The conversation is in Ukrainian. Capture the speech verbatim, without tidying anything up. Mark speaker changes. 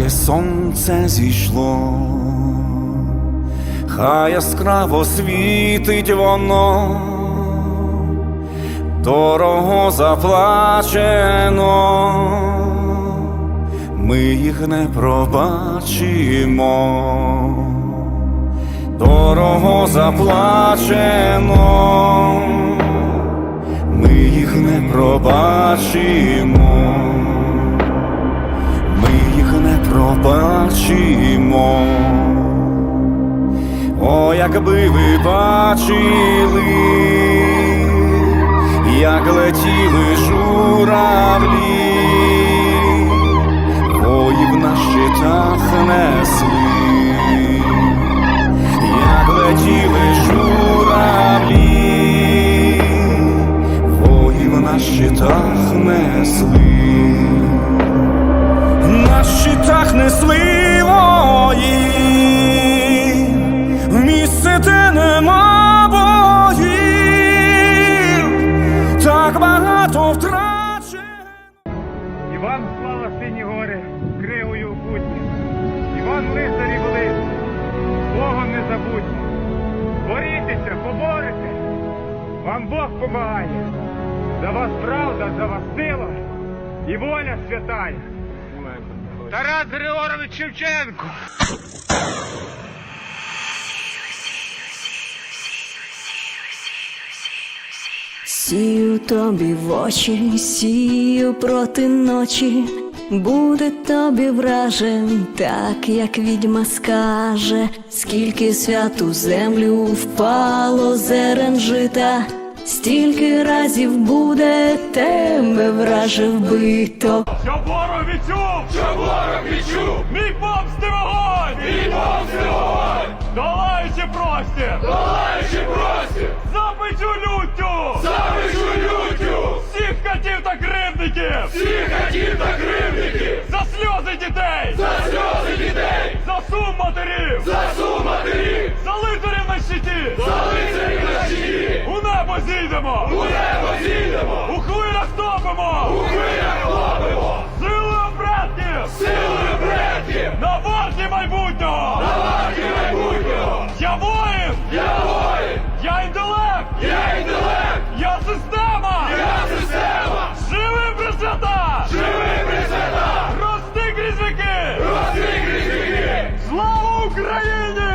Speaker 1: Тільки сонце зійшло, хай яскраво світить воно, дорого заплачено, ми їх не пробачимо. Дорого заплачено, ми їх не пробачимо. Ми їх не пробачимо. О, якби ви бачили, як летіли журавлі, воїв на щитах несли, як летіли журавлі, воїв на щитах несли. На щитах несли вої, в місце, де нема боїв, так багато втрачено.
Speaker 2: І вам слава сині гори, кривою путні, і вам лицарі великі, Богом не забудьте. Борітеся, поборете, вам Бог помагає. За вас правда, за вас сила і воля святая. Тарас Григорович Шевченко.
Speaker 3: Сію тобі в очі, сію проти ночі, буде тобі вражен, так як відьма скаже. Скільки святу землю впало зерен жита, стільки разів буде тебе враже вбито.
Speaker 2: Що ворог відчув, що ворог відчув, мій помсти вогонь, мій помсти вогонь, долаючи простір, долаючи простір, запечу люттю, запечу люттю, всіх катів та кривдників, всіх катів та кривдників, за сльози дітей, за сльози дітей, за сум матерів, за сум матерів, за лицарів на щиті, за лицарів на щиті, у небо зійдемо, у небо зійдемо, у хвилях топимо, у хвилях топимо, силою предків, силою предків, на варті майбутнього, на варті майбутнього, я воїн, я воїн, я інтелект, я інтелект, я система, я система, живи Пресвята, живи Пресвята, рости крізь віки, рости крізь віки, слава Україні!